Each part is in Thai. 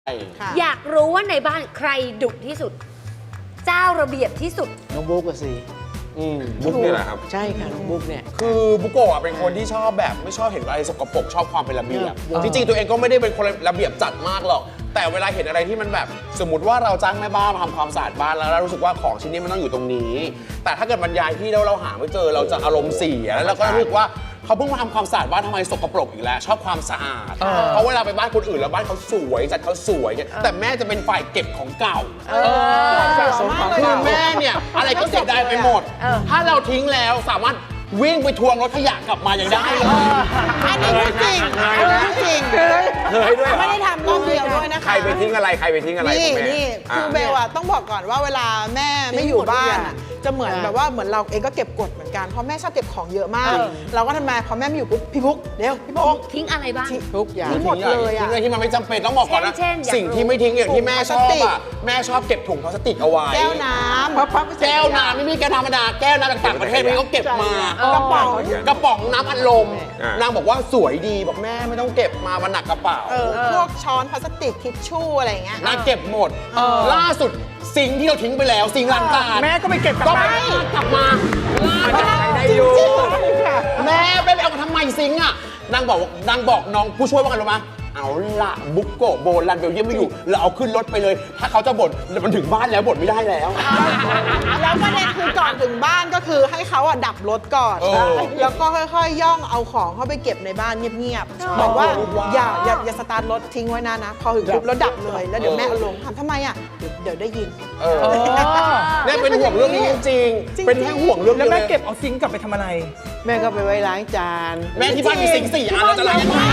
อยากรู้ว่าในบ้านใครดุที่สุด เจ้าระเบียบที่สุดน้องบุ๊กก็สิบุ๊กนี่แหละครับใช่ค่ะน้องบุ๊กเนี่ยคือบุโกะเป็นคนที่ชอบแบบไม่ชอบเห็นอะไรสกปรกชอบความเป็นระเบียบเออจริงๆตัวเองก็ไม่ได้เป็นคนระเบียบจัดมากหรอกแต่เวลาเห็นอะไรที่มันแบบสมมติว่าเราจ้างแม่บ้านมาทำความสะอาดบ้านแล้วเรารู้สึกว่าของชิ้นนี้มันต้องอยู่ตรงนี้ แต่ถ้าเกิดบรรยายที่แล้วเราหาไม่เจอเราจะอารมณ์เสียแล้วเราก็รู้สึกว่าเขาเพิ่งมาทำความสะอาดบ้านทำไมสกปรกอีกแล้วชอบความสะอาดเพราะเวลาไปบ้านคนอื่นแล้วบ้านเขาสวยจัดเขาสวยเนี่ยแต่แม่จะเป็นฝ่ายเก็บของเก่าคือแม่เนี่ยอะไรก็เสียดายไปหมด ถ้าเราทิ้งแล้วสามารถวิ่งไปทวงรถขยะกลับมายังได้เลยอันนี้พูดจริงอันนี้พูดจริงเคยด้วยเหรอไม่ได้ทำรอบเดียวด้วยนะคะใครไปทิ้งอะไรใครไปทิ้งอะไรนี่คุณแม่นี่คือเบลอะต้องบอกก่อนว่าเวลาแม่ไม่อยู่บ้านอะจะเหมือนแบบว่าเหมือนเราเองก็เก็บกดเหมือนกันเพราะแม่ชอบเก็บของเยอะมาก เราก็ทำไมพอแม่ไม่อยู่ปุ๊บพี่พุกเดี๋ยวพี่พุกทิ้งอะไรบ้างทุกอย่างทิ้งหมดเลยอะทิ้งอะไรที่มันไม่จำเป็นต้องบอกก่อนนะเช่นอยากรู้สิ่งที่ไม่ทิ้งอย่างที่แม่ชอบอ่ะแม่ชอบเก็บถุงพลาสติกเอาไว้แก้วน้ำแก้วน้ำไม่มีแก้วธรรมดาแก้วน้ำจากต่างประเทศพี่ก็เก็บมากระป๋องกระป๋องน้ำอัดลมอ่านนางบอกว่าสวยดีบอกแม่ไม่ต้องเก็บมามันหนักกระเป๋าพวกช้อนพลาสติกทิชชู่อะไรอย่างเงี้ยนางเก็บหมด ล่าสุดสิ่งที่เราทิ้งไปแล้วสิ่งล้างจานแม่ก็ไปเก็บกลับก็มาไม่กลับมาล่าสุดได้อยู่แม่ไปเอามาทำไมซิงค์อ่ะนางบอกน้องผู้ช่วยว่าไงรู้ไหมเอาละบุกโกะโบรันเบลเยียมไม่อยู่เราเอาขึ้นรถไปเลย ถ้าเขาจะบ่นมันถึงบ้านแล้วบ่นไม่ได้แล้วแล้วประเด็นคือก่อนถึงบ้านก็คือให้เขาอะดับรถก่อนเออแล้วก็ค่อยๆ ย่องเอาของเข้าไปเก็บในบ้านเงียบๆบอกว่าอย่าสตาร์ทรถทิ้งไว้นะพอถึงปุ๊บแล้วดับเลยแล้วเดี๋ยวแม่เอาลงทำไมอะเดี๋ยวได้ยินเนี่ยเป็นห่วงเรื่องนี้จริงๆเป็นแค่ห่วงเรื่องแล้วเดียวแม่เลยเก็บเอาซิงค์กลับไปทำอะไรแม่ก็ไปไว้ล้างจานแม่ที่บ้านมีสิ่งสี่อันแล้วจะล้างยังไง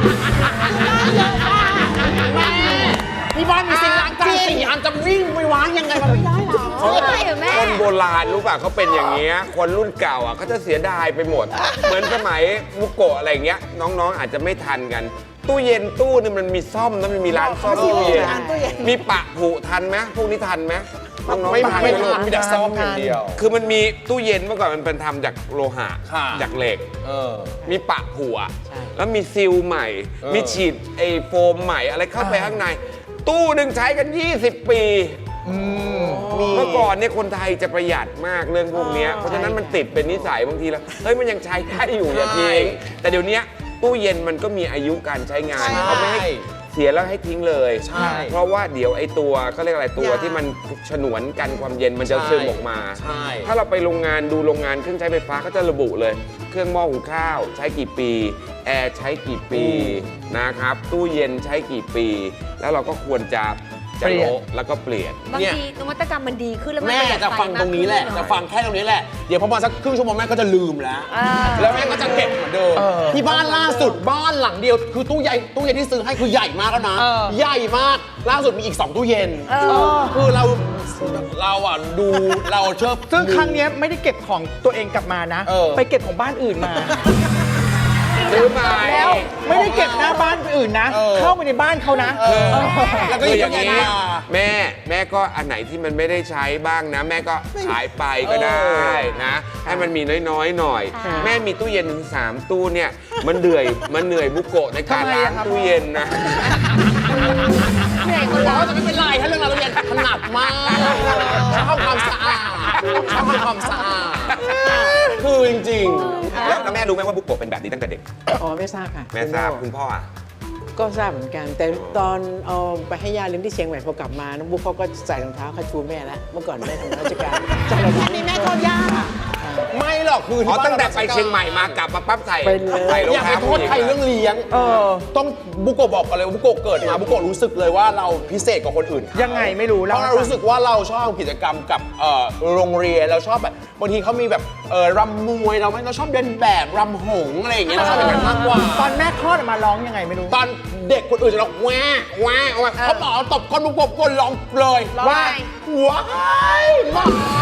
แม่ที่บ้านมีสิ่งล้างจานสี่อันจะวิ่งไปวางยังไงมันไม่ได้หรอใช่เหรอแม่คนโบราณรู้ป่ะเขาเป็นอย่างเงี้ยคนรุ่นเก่าอ่ะเขาจะเสียดายไปหมด เหมือนสมัยบุโกะอะไรเงี้ยน้องๆอาจจะไม่ทันกัน ตู้เย็นตู้นึงมันมีซ่อมนะมันมีร้านซ่อมตู้เย็นตู้เย็นมีปะผุทันไหมพวกนี้ทันไหมน้องๆไม่ทันหมีแต่ซ่อมอย่างเดียวคือมันมีตู้เย็นเมื่อก่อนมันเป็นทำจากโลหะค่ะจากเหล็ก มีปะผุอ่ะใช่แล้วมีซีลใหม่ มีฉีดไอ้โฟมใหม่อะไรเข้าไปข้างใน ตู้หนึ่งใช้กัน 20 ปี เมื่อก่อนเนี่ยคนไทยจะประหยัดมากเรื่องพวกเนี้ยเพราะฉะนั้นมันติดเป็นนิสัยบางทีแล้วเฮ้ยมันยังใช้ได้อยู่อย่าทิ้งแต่เดี๋ยวนี้ตู้เย็นมันก็มีอายุการใช้งานใช่เขาไม่ให้เสียแล้วให้ทิ้งเลยใช่เพราะว่าเดี๋ยวไอ้ตัวเขาเรียกอะไรตัวที่มันฉนวนกันความเย็นมันจะซึมออกมาใช่ถ้าเราไปโรงงานดูโรงงานเครื่องใช้ไฟฟ้าเขาจะระบุเลย เครื่องหม้อหุงข้าวใช้กี่ปีแอร์ใช้กี่ปีนะครับตู้เย็นใช้กี่ปี แล้วเราก็ควรจะโละแล้วก็เปลี่ยนบางทีนวัตกรรมมันดีขึ้นแล้วมันแม่ประหยัดจะฟังตรงนี้แหละไฟมากจะขึ้นฟังแค่ตรงนี้แหละ เดี๋ยวพอมาสักครึ่งชั่วโมงแม่ก็จะลืมแล้ว แล้วแม่ก็จะเก็บเหมือนเดิม ที่บ้านล่าสุดบ้านหลังเดียว คือตู้เย็นที่ซื้อให้คือใหญ่มากแล้วนะ ใหญ่มาก ล่าสุดมีอีก 2 ตู้เย็น คือเราอ่ะดูเราเชื่อซึ่งครั้งเนี้ยไม่ได้เก็บของตัวเองกลับมานะ ไปเก็บของบ้านอื่นมาซื้อมาแล้วไม่ได้เก็บหน้าบ้านอื่นนะ เข้าไปในบ้านเขานะแล้วก็คือออย่างนี้นี้แม่ก็อันไหนที่มันไม่ได้ใช้บ้างนะ แม่ก็ขายไปก็ได้นะ ให้มันมีน้อยๆหน่อย แม่มีตู้เย็นถึง3 ตู้เนี่ยมันเหนื่อยบุโกะในการล้างตู้เย็นนะเหนื่อยคนเราเราจะไม่เป็นไรถ้าเรื่องเราเรียนถนัดมากชอบความสะอาดชอบความสะอาดคือจริงๆแล้วแม่รู้ไหมว่าบุโกะเป็นแบบนี้ตั้งแต่เด็กอ๋อไม่ทราบค่ะแม่ทราบคุณพ่ออ่ะก็ทราบเหมือนกัน แต่ตอนเอาไปให้ย่าเลี้ยงที่เชียงใหม่พอกลับมาน้องบุ๊กเขาก็ใส่รองเท้าคาชูแม่แล้วเมื่อก่อนแม่ทำราชการใส่รองเท้าอันนี้แม่โทษย่าไม่หรอกคืออ๋อที่บ้านตั้งแต่ไปเชียงใหม่มากลับมาปั๊บใส่เป็นเลยใส่รองอย่าไปเท้าโทษใครเรื่องเลี้ยงต้องบุโกะบอกกันเลยว่าบุโกะเกิดมาบุโกะรู้สึกเลยว่าเราพิเศษกว่าคนอื่นยังไงไม่รู้เพแล้วราะเรารู้สึกว่าเราชอบกิจกรรมกับโรงเรียนเราชอบแบบบางทีเขามีแบบรำมวยเราชอบเดินแบบรำหงส์อะไรอย่างเงี้ยเราชอบอย่างนั้นมากกว่าตอนแม่คลอดออกมาร้องยังไงไม่รู้ตอนเด็กคนอื่นจะร้องแหวะแหวะแหวะเขาหมอตบก้นบุโกะก้นร้องเลยว่าว้ายหมา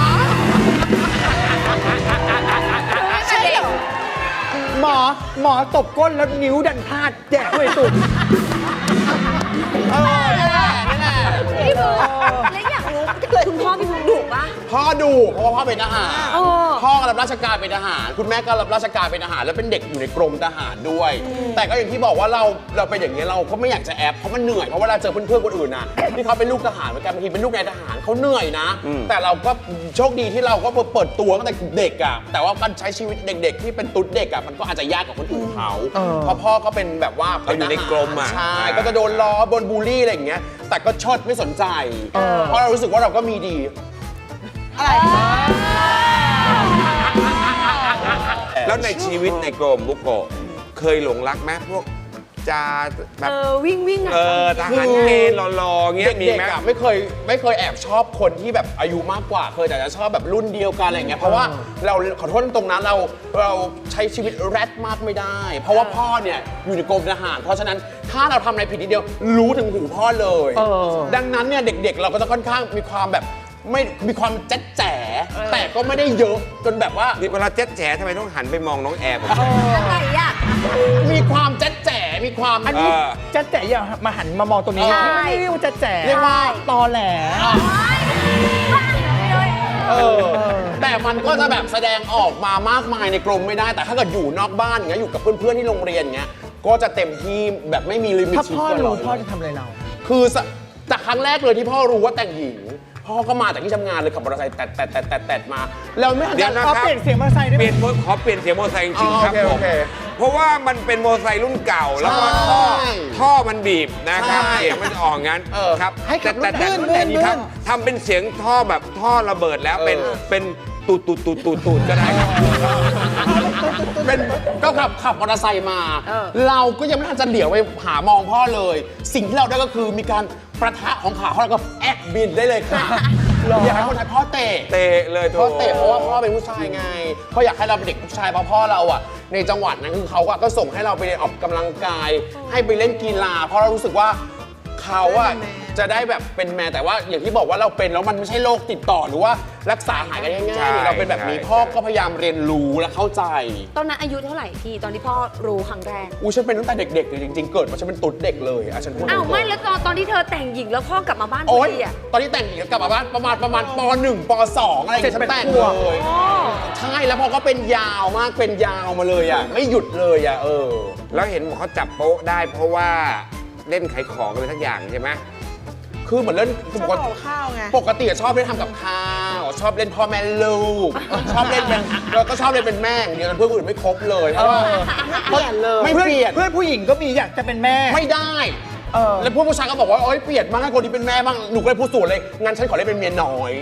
ใช่เหรอหมอตบก้นแล้วนิ้วดันพลาดแจกด้วยสุดนี่แหละพี่บุ๊กแล้วอยากรู้คุณพ่อพี่บุ๊กดุปะพ่อดูเพราะว่าพ่อเป็นทหารเออพ่อก็รับราชการเป็นทหาร คุณแม่ก็รับราชการเป็นทหารแล้วเป็นเด็กอยู่ในกรมทหารด้วย แต่ก็อย่างที่บอกว่าเราเป็นอย่างนี้ยเราก็ไม่อยากจะแอบเพราะมันเหนื่อยเพราะเวลาเจอเพื่อนๆคนอื่นน่ะที่เขาเป็นลูกทหารเหมือนกันบางทีเป็นลูกนายทหารเขาเหนื่อยนะ แต่เราก็โชคดีที่เราก็เปิดตัวตั้งแต่เด็กอ่ะแต่ว่าการใช้ชีวิตเด็กๆที่เป็นตุ๊ดเด็กอ่ะมันก็อาจจะยากกว่าคนอื่นเขาเพราะพ่อก็เป็นแบบว่าเขาอยู่ในกรมอ่ะใช่ก็จะโดนล้อโดนบูลลี่อะไรอย่างเงี้ยแต่ก็เชดไม่สนใจเพราะเรารู้สึกว่าเราก็มีดีอะไรแล้วในชีวิตในกรมบุโกะเคยหลงรักไหมพวกจาแบบวิ่งอ่ะทหารเกณฑ์หล่อๆเงี้ยมีเด็กไหมๆอะไม่เคยแอบชอบคนที่แบบอายุมากกว่าเคยแต่จะชอบแบบรุ่นเดียวกันอะไรอย่างเงี้ยเพราะว่าเราขอโทษตรงนั้นเราใช้ชีวิตแรดมากไม่ได้ เพราะว่าพ่อเนี่ยอยู่ในกรมทหารเพราะฉะนั้นถ้าเราทำอะไรผิดนิดเดียวรู้ถึงหูพ่อเลย ดังนั้นเนี่ยเด็กๆ เราก็จะค่อนข้างมีความแบบไม่มีความแจ๊ดแจ๋แต่ก็ไม่ได้เยอะจนแบบว่านี่เวลาเจ๊ดแฉทำไมต้องหันไปมองน้องแอร์ผมอะไรอ่ะมีความแจ๊ดแจ๋มีความอันนี้จะแจ๋อย่ามาหันมามองตรงนี้ใช่ไม่เรียกว่าจะแจ๋เรียกว่าตอแหลแต่มันก็จะแบบแสดงออกมามากมายในกรมไม่ได้ แต่ถ้าเกิดอยู่นอกบ้านอย่างเงี้ยอยู่กับเพื่อนๆที่โรงเรียนอย่างเงี้ยก็จะเต็มที่แบบไม่มีลิมิตถ้าชีวิตพ่อตัวรู้เราพ่อจะทำอะไรเราคือจากครั้งแรกเลยที่พ่อรู้ว่าแต่งหญิง พ่อก็มาจากที่ทำงานเลยขับมอเตอร์ไซค์แตะมาแล้วไม่ทันเดี๋ยวนะขอเปลี่ยนเสียงมอเตอร์ไซค์ได้ไหมขอเปลี่ยนเสียงมอเตอร์ไซค์จริงๆครับโอเคผโอมเคเพราะว่ามันเป็นมอเตอร์ไซค์รุ่นเก่าแล้วก็ใช่ท่อมันบีบนะครับใช่เสียงมันจะออกงั้นครับให้ขับรถแต่ลื่นครับทำเป็นเสียงท่อแบบท่อระเบิดแล้วเป็นตูดก็ได้ครับเป็นก็ขับมอเตอร์ไซค์มา เราก็ยังไม่ทันจะเหลียวไปหามองพ่อเลย สิ่งที่เราได้ก็คือมีการประทะของขาพ่อแล้วก็แอกบินได้เลยค่ะอยากให้คนไทยพ่อเตะเตะเลยโถพ่อเตะเพราะว่าพ่อเป็นผู้ชายไงเขาอยากให้เราเป็นเด็กผู้ชายเพราะพ่อเราอ่ะในจังหวัดนั้นคือเขาก็ส่งให้เราไปออกกำลังกาย ให้ไปเล่นกีฬา เพราะเรารู้สึกว่าเขาอะจะได้แบบเป็นแมนแต่ว่าอย่างที่บอกว่าเราเป็นแล้วมันไม่ใช่โรคติดต่อหรือว่ารักษาหายกันง่ายๆนี่เราเป็นแบบนี้พ่อก็พยายามเรียนรู้และเข้าใจตอนนั้นอายุเท่าไหร่พี่ตอนที่พ่อรู้ครั้งแรกอู้ฉันเป็นตั้งแต่เด็กๆเลยจริงๆ เกิดมาฉันเป็นตุ๊ดเด็กเลยอ่ะฉันพูดอ้าวตรงๆไม่แล้วตอนที่เธอแต่งหญิงแล้วพ่อกลับมาบ้านโอ๊ยพี่อ่ะตอนที่แต่งหญิงแล้วกลับมาบ้านประมาณป .1 ป .2 อะไรอย่างเงี้ยฉันแต่งเลย ใช่แล้วพอก็เป็นยาวมากเป็นยาวมาเลยอ่ะไม่หยุดเลยอ่ะแล้วเห็นบอกเขาจับโป๊ะได้เพราะว่าเล่นขายของอะไรทักอย่างใช่ไหมคือเหมือนเล่นชอบปกห่ติอข้าวไงปกติอะชอบเล่นทำกับข้าวชอบเล่นพ่อแม่ลูก ชอบเล่นเป็นแล้วก็ชอบเล่นเป็นแม่อย่างเดียวเพื่อนคนอื่นไม่ครบเลยเพราะว่าเปลี่ยนเลยไม่เปลี่ยนเพื่อนผู้หญิงก็มีอยากจะเป็นแม่ไม่ได้ แล้วพวกผู้ชายก็บอกว่าโอ๊ยเปลี่ยนมากให้คนที่เป็นแม่บ้างหนูก็เลยพูดสวนเลยงั้นฉันขอเล่นเป็นเมียน้อย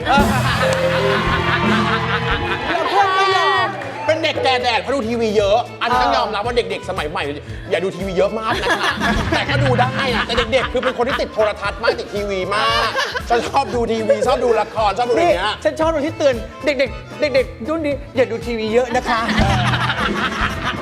แล้วเพื่อนไม่ยอมเป็นเด็กแก่แดดเพราะดูทีวีเยอะ อันนี้ต้องยอมรับว่าเด็กๆ สมัยใหม่ อย่าดูทีวีเยอะมากนะคะ แต่ก็ดูได้นะแต่เด็กๆ คือเป็นคนที่ติดโทรทัศน์มากติดทีวีมากชอบดูทีวีชอบดูละครชอบดูอะไรนี่เงี้ยฉันชอบตรงที่เตือนเด็กๆรุ่นนี้อย่าดูทีวีเยอะนะคะ